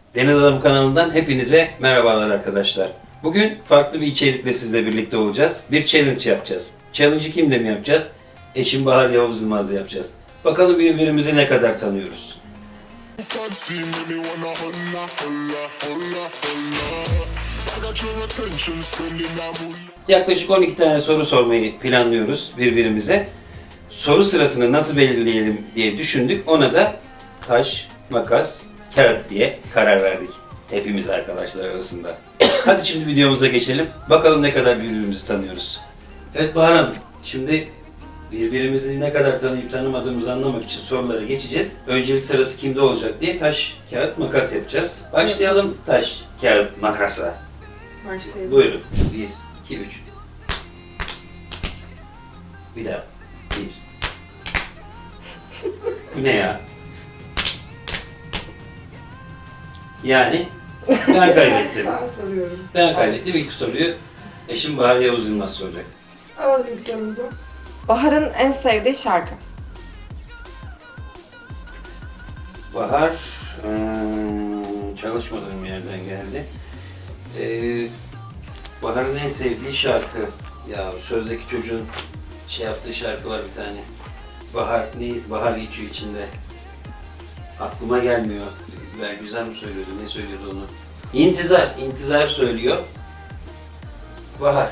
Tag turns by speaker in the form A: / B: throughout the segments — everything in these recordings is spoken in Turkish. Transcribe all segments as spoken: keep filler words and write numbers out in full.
A: Deniz Adam kanalından hepinize merhabalar arkadaşlar. Bugün farklı bir içerikle sizle birlikte olacağız. Bir challenge yapacağız. Challenge'ı kimle mi yapacağız? Eşim Bahar Yavuz Yılmaz'la yapacağız. Bakalım birbirimizi ne kadar tanıyoruz. Yaklaşık on iki tane soru sormayı planlıyoruz birbirimize. Soru sırasını nasıl belirleyelim diye düşündük. Ona da taş, makas, kağıt diye karar verdik. Hepimiz arkadaşlar arasında. Hadi şimdi videomuza geçelim. Bakalım ne kadar birbirimizi tanıyoruz. Evet Bahar Hanım, şimdi birbirimizi ne kadar tanıyıp tanımadığımızı anlamak için sorulara geçeceğiz. Öncelik sırası kimde olacak diye taş, kağıt, makas yapacağız. Başlayalım taş, kağıt, makasa.
B: Başlayalım.
A: Buyurun. Bir, iki, üç. Bir daha. Bir. Bu ne ya? Yani ben kaybettim.
B: Ben soruyorum.
A: Ben kaybettim. İlk soruyu eşim Bahar Yavuz Yılmaz soracak.
B: Alalım ilk sorumuzu.
C: Bahar'ın en sevdiği şarkı.
A: Bahar ıı, çalışmadığım yerden geldi. Ee, Bahar'ın en sevdiği şarkı. Ya sözdeki çocuğun şey yaptığı şarkı var bir tane. Bahar ne? Bahar geçiyor içinde. Aklıma gelmiyor. Ben güzel mi söylüyordu? Ne söylüyordu onu? İntizar. İntizar söylüyor. Bahar.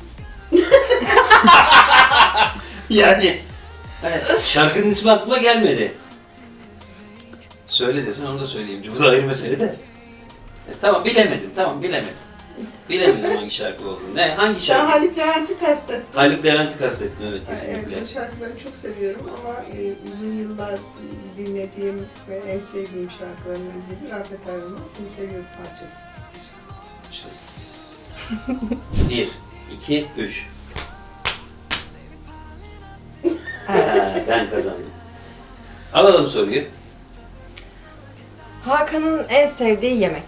A: yani evet, şarkının ismi aklıma gelmedi. Söyle desen onu da söyleyeyim. Bu da ayrı mesele de. E, tamam bilemedim. Tamam bilemedim. Bilemedim hangi şarkı olduğunu. Ne? Hangi
B: Sen
A: şarkı?
B: Haluk Levent'i kastettin.
A: Haluk Levent'i kastettim evet
B: Evet,
A: kesinlikle.
B: bu şarkıları çok seviyorum ama e, uzun yıllar e, dinlediğim ve en sevdiğim şarkılarından biri Rafet Ayrılmaz. Seni seviyorum parçası.
A: Çız. Bir, iki, üç. Ha, ben kazandım. Alalım soruyu.
C: Hakan'ın en sevdiği yemek.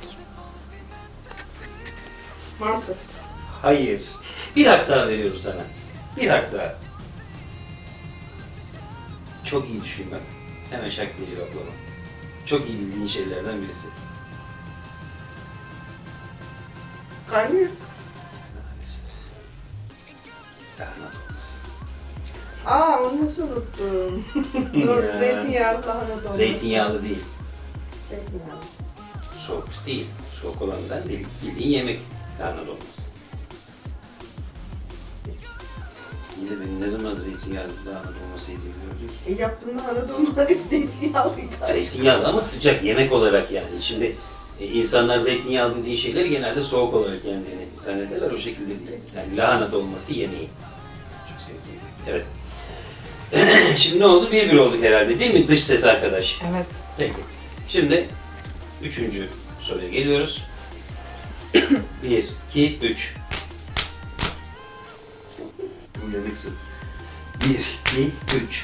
B: Mantı.
A: Hayır. Bir hak daha veriyorum sana. Bir hak daha. Çok iyi düşün bak. Hemen şak diye cevaplama. Çok iyi bildiğin şeylerden birisi.
B: Karnıyarık.
A: Maalesef. Lahana dolması.
B: Aa onu nasıl unuttum? Doğru,
A: Ya.
B: zeytinyağlı lahana dolması.
A: Zeytinyağlı değil.
B: Zeytinyağlı.
A: Soğuk değil. Soğuk olandan değil. Bildiğin yemek. Lahana dolması. Yine benim ne zaman zeytinyağlı lahana dolması yediğimi gördük.
B: E yaptığın lahana dolmaları hep zeytinyağlıydı.
A: Zeytinyağlı ama sıcak yemek olarak yani. Şimdi e, insanlar zeytinyağlı dediği şeyleri genelde soğuk olarak yendiğini zannederler. O şekilde değil. Yani lahana dolması yemeği. Çok sevdiğim. Evet. Şimdi ne oldu? Bir bir olduk herhalde değil mi? Dış ses arkadaş.
C: Evet.
A: Peki. Şimdi üçüncü soruya geliyoruz. Bir, iki, üç. Uyanıksın. Bir, iki, üç.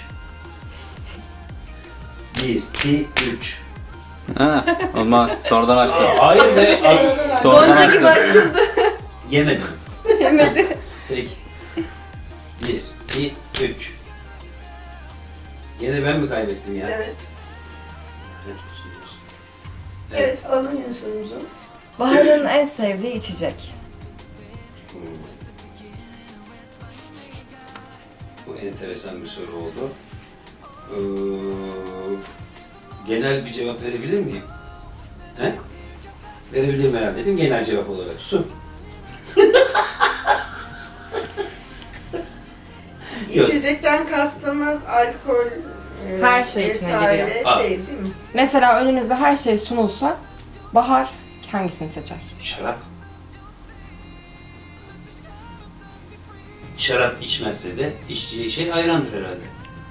A: Bir, iki, üç.
D: Ha, olmaz. Sonradan açtı.
A: Hayır be. az-
D: Sonra-
C: Gonca gibi açıldı.
A: Yemedim.
C: Yemedi.
A: Peki. Bir, iki, üç. Gene ben mi kaybettim ya?
B: Evet.
A: Evet.
B: Evet, alalım yeni sorumuzu.
C: Bahar'ın en sevdiği içecek.
A: Hmm. Bu enteresan bir soru oldu. Ee, genel bir cevap verebilir miyim? He? Verebilirim herhalde değil mi? Genel cevap olarak. Su. Yok.
B: İçecekten kastımız alkol, e,
C: Her şey içine
B: vesaire
C: giriyor.
A: Aa.
B: değil değil mi?
C: Mesela önünüze her şey sunulsa Bahar hangisini seçer?
A: Şarap. Şarap içmezse de içtiği şey ayrandır herhalde.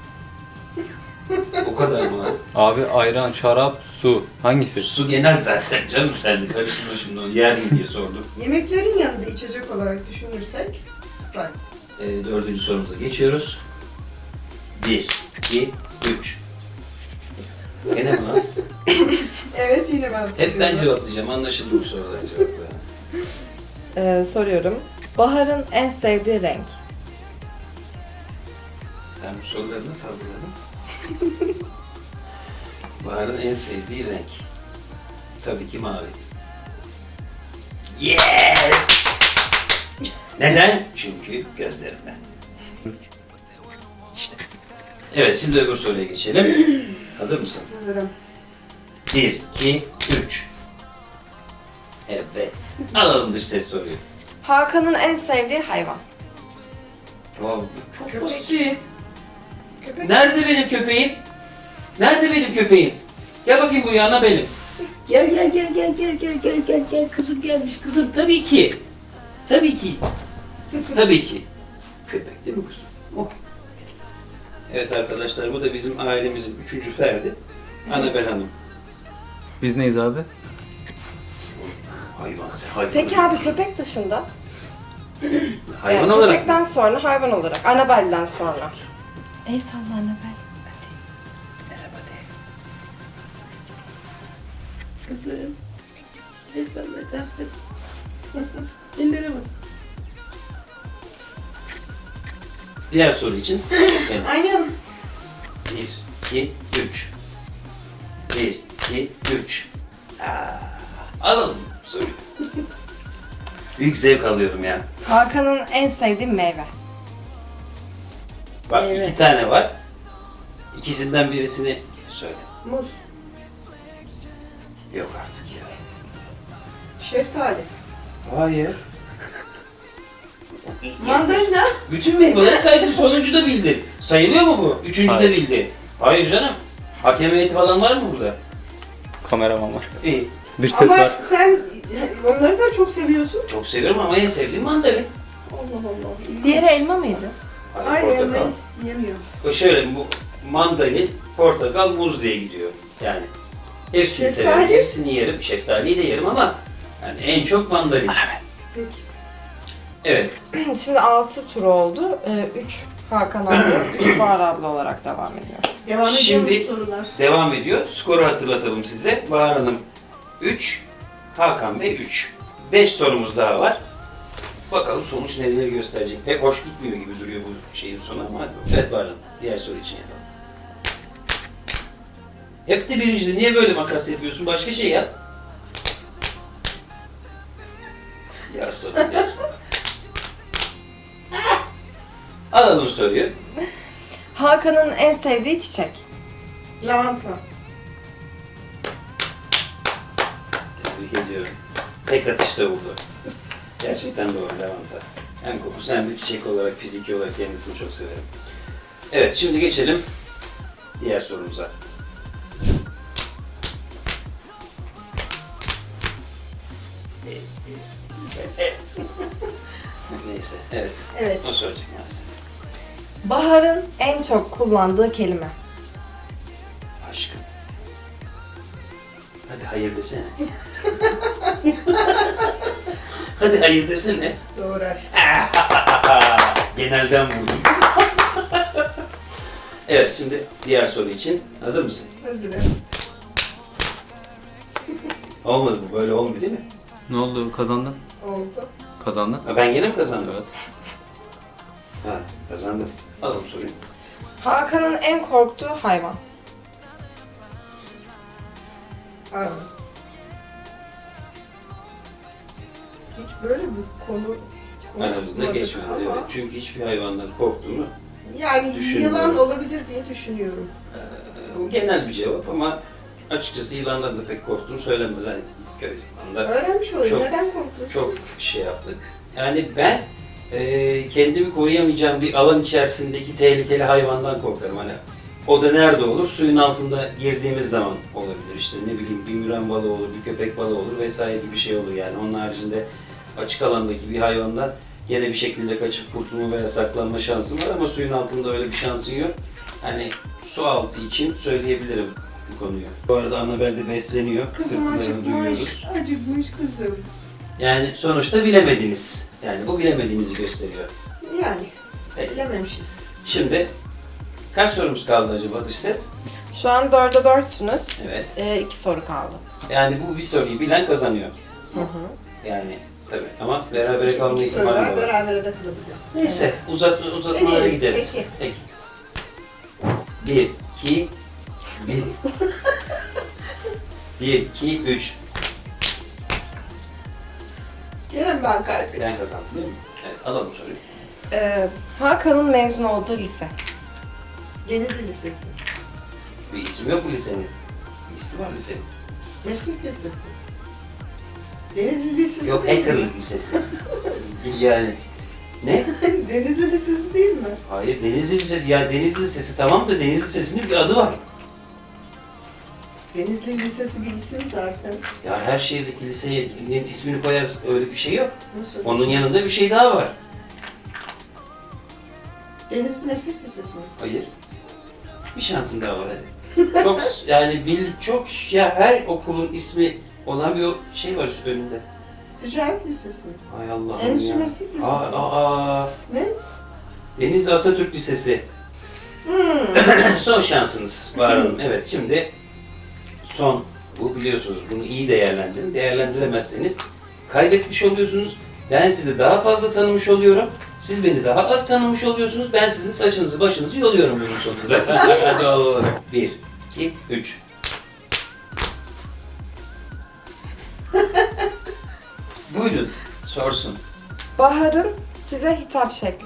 A: O kadar mı lan?
D: Abi ayran, şarap, su. Hangisi?
A: Su genel zaten canım sen de karıştırma şimdi onu yer mi diye sordum.
B: Yemeklerin yanında içecek olarak düşünürsek Sprite.
A: Ee, dördüncü sorumuza geçiyoruz. Bir, iki, üç. Gene mi lan?
B: Evet yine ben soruyorum.
A: Hep ben cevaplayacağım. Anlaşıldı bu soruların cevapları.
C: Ee, soruyorum. Bahar'ın en sevdiği renk.
A: Sen bu soruları nasıl hazırladın? Bahar'ın en sevdiği renk. Tabii ki mavi. Yes! Neden? Çünkü gözlerinden. İşte. Evet, şimdi öbür soruya geçelim. Hazır mısın?
B: Hazırım.
A: Bir, iki, üç. Evet. Alalım dış ses soruyu.
C: Hakan'ın en sevdiği hayvan.
A: Wow, çok
B: Köpek.
A: basit.
B: Köpek.
A: Nerede benim köpeğim? Nerede benim köpeğim? Gel bakayım buraya, ana benim. Gel gel gel gel gel gel gel gel gel kızım gelmiş kızım, tabii ki. Tabii ki. Tabii ki. Köpek değil mi kuzum? Oh. Evet arkadaşlar, bu da bizim ailemizin üçüncü ferdi. Annabel Hanım.
D: Biz neyiz abi?
A: Hayvan, sen hayvan.
C: Peki abi köpek dışında?
A: Hayvan
C: Yani
A: olarak
C: köpekten
A: mı?
C: sonra hayvan olarak. Annabelle'den sonra. Ey salla Annabel.
A: Merhaba de. Kızım. Efendim, efendim. Ellere bak. Diğer soru için. Evet.
B: Aynen.
A: Bir, iki, üç. Bir, iki, üç. Aa, alalım soruyu. Büyük zevk alıyorum ya.
C: Hakan'ın en sevdiği meyve.
A: Bak
B: Evet.
A: iki tane var. İkisinden birisini söyle.
B: Muz.
A: Yok artık ya.
B: Şeftali.
A: Hayır.
B: Mandalina.
A: Bütün meyveleri saydın, sonuncu da bildi. Sayılıyor mu bu? Üçüncü de
D: Hayır.
A: bildi. Hayır canım. Hakem heyeti falan var mı burada?
D: Kameraman var.
A: İyi.
D: Dış ses
B: Ama
D: var.
B: sen onları da çok seviyorsun.
A: Çok seviyorum ama en sevdiğim mandalin.
B: Allah Allah.
C: Diğeri elma mıydı?
B: Hayır,
A: portakal.
B: elmayı yemiyor.
A: O şöyle, bu mandalin, portakal, muz diye gidiyor. Yani hepsini
B: Şeftali?
A: severim, hepsini yerim. Şeftaliyi de yerim ama yani en çok mandalin.
B: Peki.
A: Evet.
C: Şimdi altı tur oldu. üç Hakan abi, üç Bahar abla olarak devam ediyor.
B: Devam
A: Şimdi-
B: ediyoruz sorular.
A: Devam ediyor. Skoru hatırlatalım size. Bahar Hanım üç, Hakan Bey üç. beş sorumuz daha var. Bakalım sonuç neleri gösterecek. Pek hoş gitmiyor gibi duruyor bu şeyin sonu ama hadi bakalım. Evet Bahar Hanım, diğer soru için yapalım. Hep de birincide. Niye böyle makas yapıyorsun? Başka şey yap. Ya sabır, ya sabır. Alalım soruyu.
C: Hakan'ın en sevdiği çiçek.
B: Lavanta.
A: Tebrik ediyorum. Tek atışta buldu. Gerçekten doğru, lavanta. Hem kokusu hem de çiçek olarak, fiziki olarak kendisini çok severim. Evet, şimdi geçelim diğer sorumuza. Neyse, evet.
B: Evet.
A: O soracak maalesef.
C: Bahar'ın en çok kullandığı kelime.
A: Aşkım. Hadi hayır desene. Hadi hayır desene.
B: Doğru aşk.
A: Genelden vurdum. Evet, şimdi diğer soru için hazır mısın?
B: Hazırım.
A: Olmadı bu, böyle olmuyor değil mi?
D: Ne oldu, kazandın?
B: Oldu.
D: Kazandın.
A: Ha, ben gene mi kazandım?
D: Evet.
A: Ha, kazandım. Alalım soruyu.
C: Hakan'ın en korktuğu hayvan.
B: Abi. Hiç böyle bir konu
A: Aramızda
B: konuşmadık
A: geçmedi.
B: ama
A: Evet. Çünkü hiçbir hayvandan korktuğunu,
B: yani
A: Düşünüyorum.
B: yılan olabilir diye düşünüyorum.
A: e, bu genel bir cevap ama açıkçası yılandan da pek korktuğunu söylemez. Hani köy yılanında
B: Öğrenmiş olayım.
A: Çok-
B: Neden korktun?
A: çok şey yaptık. Yani ben e, kendimi koruyamayacağım bir alan içerisindeki tehlikeli hayvandan korkarım. Hani o da nerede olur? Suyun altında girdiğimiz zaman olabilir. İşte ne bileyim, bir müren balığı olur, bir köpek balığı olur vesaire gibi bir şey olur yani. Onun haricinde açık alandaki bir hayvandan gene bir şekilde kaçıp kurtulma veya saklanma şansım var ama suyun altında öyle bir şansın yok. Hani su altı için söyleyebilirim bu konuyu. Bu arada Annabel de besleniyor.
B: Kızım
A: Tırtılarını
B: acıkmış.
A: duyuyoruz.
B: Acıkmış kızım.
A: Yani sonuçta bilemediniz. Yani bu bilemediğinizi gösteriyor.
B: Yani
A: Peki.
B: bilememişiz.
A: Şimdi kaç sorumuz kaldı acaba dış ses?
C: Şu an dörde dörtsünüz.
A: Evet.
C: Ee, iki soru kaldı.
A: Yani bu bir soruyu bilen kazanıyor.
C: Hı hı.
A: Yani tabii ama berabere kalma
B: İki soru
A: ihtimali
B: var,
A: var.
B: berabere de kalabiliriz.
A: Neyse uzat, uzatmalara
B: Peki,
A: gideriz.
B: peki.
A: Peki. Bir, iki, bir. Bir, iki, üç.
B: Gene ben kaybettim.
A: Ben kazandım değil mi? Evet, alalım soruyu.
C: Ee, Hakan'ın mezun olduğu lise.
B: Denizli Lisesi.
A: Bir ismi yok mu lisenin? Bir ismi var lisenin.
B: Meslek Lisesi. Denizli Lisesi
A: Yok,
B: değil mi?
A: Hackerlık Lisesi. Yani. Ne?
B: Denizli Lisesi değil mi?
A: Hayır, Denizli Lisesi. Ya Denizli Lisesi tamam da Denizli Lisesi'nin bir adı var.
B: Denizli Lisesi bir isim zaten.
A: Ya her şehirdeki lisenin ismini koyarsın, öyle bir şey yok.
B: Nasıl öyle
A: Onun
B: bir şey?
A: yanında bir şey daha var.
B: Denizli Meslek Lisesi mi?
A: Hayır. Bir şansın daha var hadi. Çok yani bil çok ya her okulun ismi olan bir o şey var üst önünde.
B: Ticaret Lisesi mi?
A: Hay Allah'ım
B: Endüstri
A: ya.
B: Meslek Lisesi
A: Aa,
B: mi?
A: aa,
B: Ne?
A: Denizli Atatürk Lisesi.
B: Hmm.
A: Son şansınız Bahar Hanım. Evet şimdi son bu biliyorsunuz. Bunu iyi değerlendirin. Değerlendiremezseniz kaybetmiş oluyorsunuz. Ben sizi daha fazla tanımış oluyorum. Siz beni daha az tanımış oluyorsunuz. Ben sizin saçınızı başınızı yoluyorum bunun sonunda. Hadi doğal olarak. Bir, iki, üç. Buyurun, sorsun.
C: Bahar'ın size hitap şekli.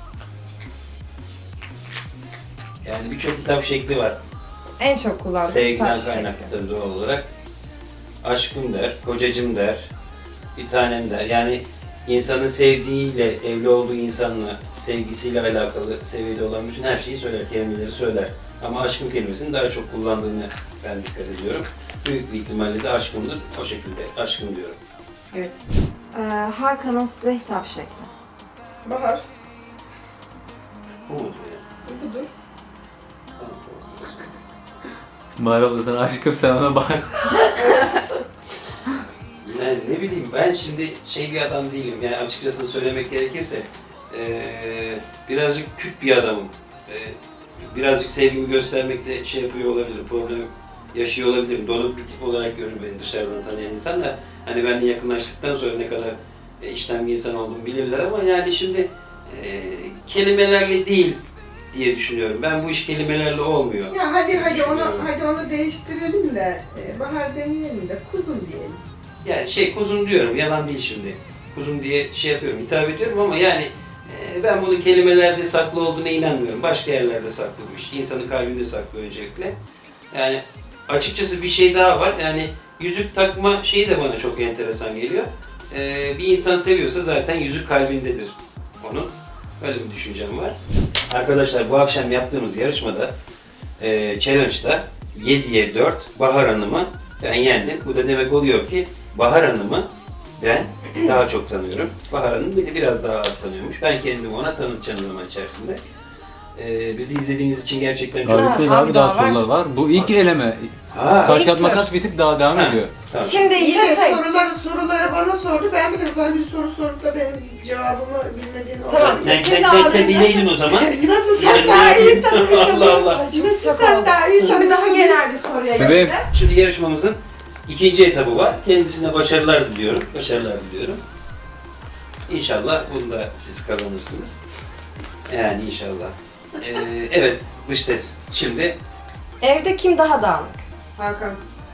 A: Yani birçok hitap şekli var.
C: En çok kullandığım
A: Sevgiden
C: hitap şekli.
A: kaynaklı tabii doğal olarak. Aşkım der, kocacım der, bir tanem der. Yani insanın sevdiğiyle, evli olduğu insanla, sevgisiyle alakalı seviyede olan bütün her şeyi söyler, kelimeleri söyler. Ama aşkım kelimesini daha çok kullandığını ben dikkat ediyorum. Büyük bir ihtimalle de aşkımdır. O şekilde aşkım diyorum.
B: Evet.
C: Ee, Hakan'ın size hitap şekli.
B: Bahar.
A: Bu mudur yani?
B: Budur.
A: Tamam, tamam.
D: Bahar abla sana aşkım, sen ona bak.
A: Yani ne bileyim ben şimdi şey bir adam değilim yani açıkçası söylemek gerekirse eee, birazcık küt bir adamım. Eee, birazcık sevgimi göstermekte şey yapıyor olabilirim, problem yaşıyor olabilirim. Donuk bir tip olarak görür beni dışarıdan tanıyan insanlar. Hani benimle yakınlaştıktan sonra ne kadar e, içten bir insan olduğumu bilirler ama yani şimdi eee, kelimelerle değil diye düşünüyorum. Ben bu iş kelimelerle olmuyor.
B: Ya hadi hadi onu
A: Düşünüyorum.
B: hadi onu değiştirelim de e, Bahar demeyelim de kuzum diyelim.
A: Yani şey kuzum diyorum, yalan değil şimdi. Kuzum diye şey yapıyorum, hitap ediyorum ama yani e, ben bunun kelimelerde saklı olduğuna inanmıyorum. Başka yerlerde saklı bu iş. İnsanın kalbinde saklı öncelikle. Yani açıkçası bir şey daha var. Yani yüzük takma şeyi de bana çok enteresan geliyor. E, bir insan seviyorsa zaten yüzük kalbindedir onun. Öyle bir düşüncem var. Arkadaşlar bu akşam yaptığımız yarışmada, e, challenge'da yediye dört Bahar Hanım'ı ben yendim. Bu da demek oluyor ki Bahar Hanım'ı ben daha çok tanıyorum. Bahar Hanım beni biraz daha az tanıyormuş. Ben kendimi ona tanıtacağım zaman içerisinde. Ee, bizi izlediğiniz için gerçekten çok...
D: Harikayız
C: Ha,
D: abi,
C: bir
D: daha
C: daha var.
D: sorular var. Bu ilk eleme.
A: Ha,
D: Taş
C: İlk
D: kağıt
C: tur.
D: makas bitip daha devam
A: Ha.
D: ediyor.
A: tamam.
C: Şimdi
B: İyi
C: ise
B: de
C: şey...
B: soruları soruları bana sordu. Ben bile sana bir soru sorup da benim cevabımı bilmediğini
C: Tamam,
B: olabilir.
A: Ben
C: şimdi
A: tek
C: abi
A: tek de bileydin o zaman.
B: Nasıl sen daha iyi tanımış
A: Allah Allah.
C: Ay, çok
B: Nasıl
C: şok
B: sen
C: oldum.
B: daha iyi
C: Şimdi daha
B: tanımışsın?
C: genel bir soruya
D: Bebeğim.
C: geleceğiz.
A: Şimdi yarışmamızın ikinci etabı var. Kendisine başarılar diliyorum. Başarılar diliyorum. İnşallah bunu da siz kazanırsınız. Yani inşallah. Ee, evet, dış ses. Şimdi
C: Evde kim daha dağınık?
B: Hakan.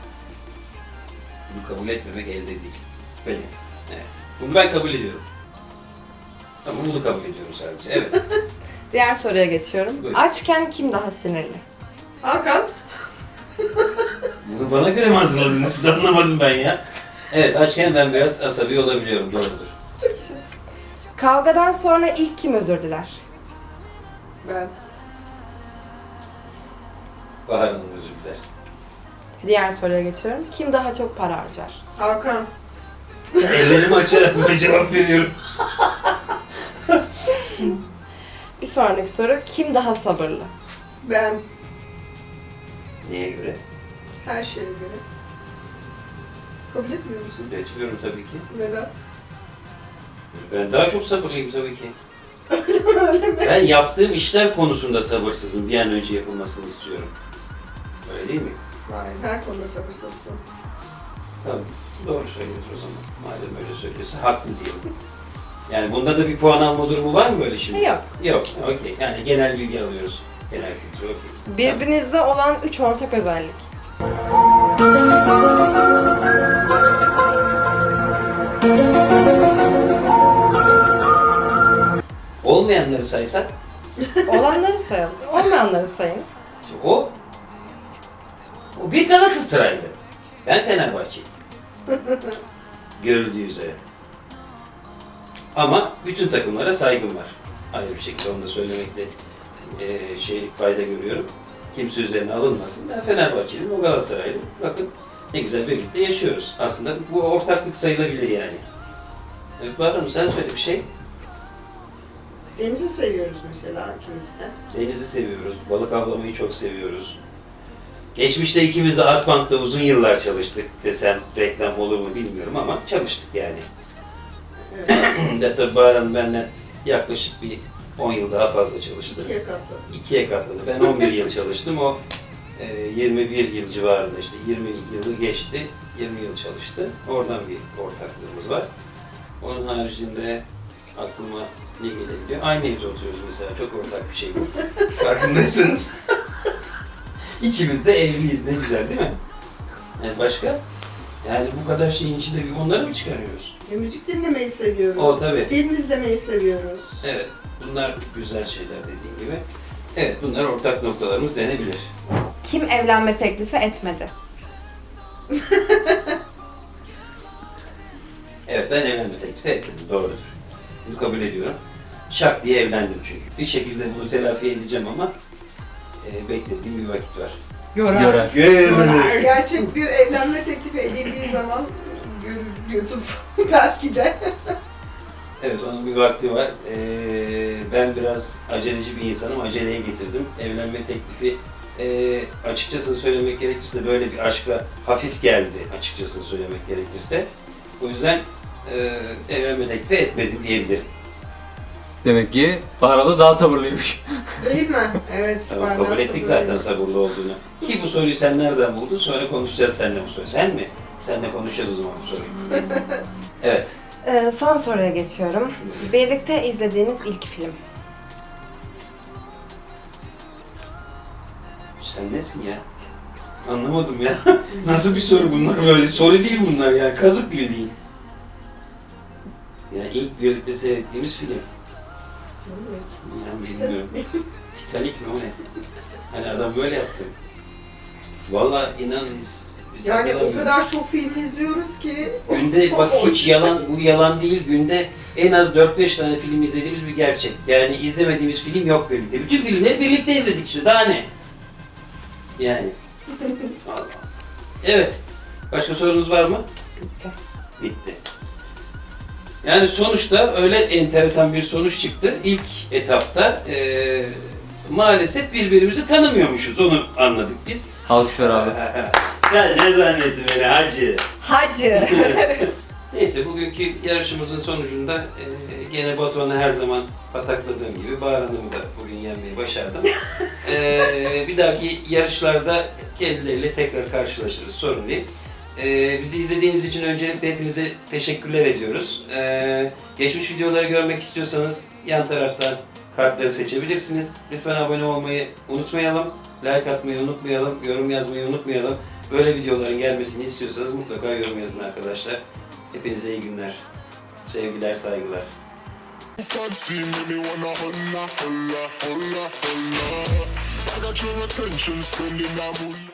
A: bunu kabul etmemek elde değil. Benim. Evet. Bunu ben kabul ediyorum. Ama bunu kabul ediyorum sadece. Evet.
C: Diğer soruya geçiyorum.
A: Buyurun.
C: Açken kim daha sinirli?
B: Hakan.
A: Bunu bana göre mi hazırladınız? Siz anlamadım ben ya. Evet, açken ben biraz asabi olabiliyorum. Doğrudur.
C: Kavgadan sonra ilk kim özür diler?
B: Ben.
A: Bahar Hanım özür diler.
C: Diğer soruya geçiyorum. Kim daha çok para harcar?
B: Hakan.
A: Ellerimi açarak buna cevap veriyorum.
C: Bir sonraki soru. Kim daha sabırlı?
B: Ben.
A: Neye göre?
B: Her şeye göre. Kabul etmiyor musun?
A: Etmiyorum tabii ki.
B: Neden?
A: Ben daha çok sabırlıyım tabii ki. Ben yaptığım işler konusunda sabırsızım. Bir an önce yapılmasını istiyorum. Öyle değil mi?
B: Hayır, her konuda sabırsızsın.
A: Tamam. Doğru söylüyorsun o zaman. Madem öyle söylüyorsa haklı diyelim. Yani bunda da bir puan alma durumu var mı böyle şimdi?
C: Yok.
A: Yok. Okey. Yani genel bilgi alıyoruz. Genel kültür. Okey.
C: Birbirinizde olan üç ortak özellik.
A: Tamam. Olmayanları saysak,
C: Olanları sayalım. Olmayanları sayın.
A: şimdi o o bir Galatasaraylı. Ben Fenerbahçeliyim. Görüldüğü üzere. Ama bütün takımlara saygım var. Ayrı bir şekilde onu da söylemekte e, şey fayda görüyorum. Kimse üzerine alınmasın. Ben Fenerbahçeliyim, o Galatasaraylı. Bakın ne güzel birlikte yaşıyoruz. Aslında bu ortaklık sayılabilir yani. Evet, Bahar Hanım sen söyle bir şey.
B: Denizi seviyoruz mesela ikimiz de.
A: Denizi seviyoruz, balık avlamayı çok seviyoruz. Geçmişte ikimiz de Akbank'ta uzun yıllar çalıştık desem reklam olur mu bilmiyorum ama çalıştık yani.
B: Evet.
A: de tabii Bahar Hanım benden yaklaşık bir on yıl daha fazla çalıştı.
B: İkiye katladık.
A: İkiye katladı. Ben on bir yıl çalıştım. O e, yirmi bir yıl civarında işte yirmi yılı geçti. yirmi yıl çalıştı. Oradan bir ortaklığımız var. Onun haricinde aklıma ne gelebiliyor? Aynı evde oturuyoruz mesela. Çok ortak bir şey bu. Farkındaysanız. İkimiz de evliyiz. Ne güzel değil mi? Yani başka? Yani bu kadar şeyin içinde bir onları mı çıkarıyoruz?
B: E, müzik dinlemeyi seviyoruz.
A: O tabii.
B: Film izlemeyi seviyoruz.
A: Evet. Bunlar güzel şeyler dediğin gibi. Evet, bunlar ortak noktalarımız denebilir.
C: Kim evlenme teklifi etmedi?
A: Evet, ben evlenme teklifi ettim. Doğrudur. Bunu kabul ediyorum. Şak diye evlendim çünkü. Bir şekilde bunu telafi edeceğim ama e, beklediğim bir vakit var.
D: Görer.
B: Sonra gerçek bir evlenme teklifi edildiği zaman görür YouTube belki de.
A: Evet, onun bir vakti var. Ee, ben biraz aceleci bir insanım. Aceleye getirdim. Evlenme teklifi e, açıkçası söylemek gerekirse böyle bir aşka hafif geldi açıkçası söylemek gerekirse. O yüzden e, evlenme teklifi etmedim diyebilirim.
D: Demek ki Bahar abla daha sabırlıymış.
B: Değil mi? Evet.
A: Tamam,
B: benden
A: kabul ettik
B: sabır
A: zaten sabırlı olduğunu. Ki bu soruyu sen nereden buldun? Sonra konuşacağız seninle bu soruyu. Sen mi? Seninle konuşacağız o zaman bu soruyu. Evet.
C: Ee, son soruya geçiyorum. Birlikte izlediğiniz ilk film.
A: Sen nesin ya? Anlamadım ya. Nasıl bir soru bunlar böyle? Soru değil bunlar ya. Kazık bildiğin. Yani ilk birlikte seyrettiğimiz film. Yani bilmiyorum. Titanic mi o ne? Hani adam böyle yaptı. Vallahi inan biz, biz
B: Yani o
A: hatırlamıyoruz.
B: kadar çok film izliyoruz ki.
A: Günde bak hiç yalan, bu yalan değil. Günde en az dört beş tane film izlediğimiz bir gerçek. Yani izlemediğimiz film yok birlikte. Bütün filmleri birlikte izledik işte. Daha ne? Yani. Allah. Evet. Başka sorunuz var mı?
C: Bitti.
A: Bitti. Yani sonuçta öyle enteresan bir sonuç çıktı. İlk etapta eee, maalesef birbirimizi tanımıyormuşuz. Onu anladık biz.
D: Alkış ver abi.
A: Sen ne zannettin beni hacı?
C: Hacı.
A: Neyse bugünkü yarışımızın sonucunda e, gene Batuhan'ı her zaman patakladığım gibi Bahar Hanım'ı da bugün yenmeyi başardım. E, bir dahaki yarışlarda kendileriyle tekrar karşılaşırız, sorun değil. E, bizi izlediğiniz için öncelikle hepinize teşekkürler ediyoruz. E, geçmiş videoları görmek istiyorsanız yan taraftan kartları seçebilirsiniz. Lütfen abone olmayı unutmayalım, like atmayı unutmayalım, yorum yazmayı unutmayalım. Böyle videoların gelmesini istiyorsanız mutlaka yorum yazın arkadaşlar. Hepinize iyi günler. Sevgiler, saygılar.
E: Fancy make me wanna holla, holla, holla, holla. I got your attention, spending that moon.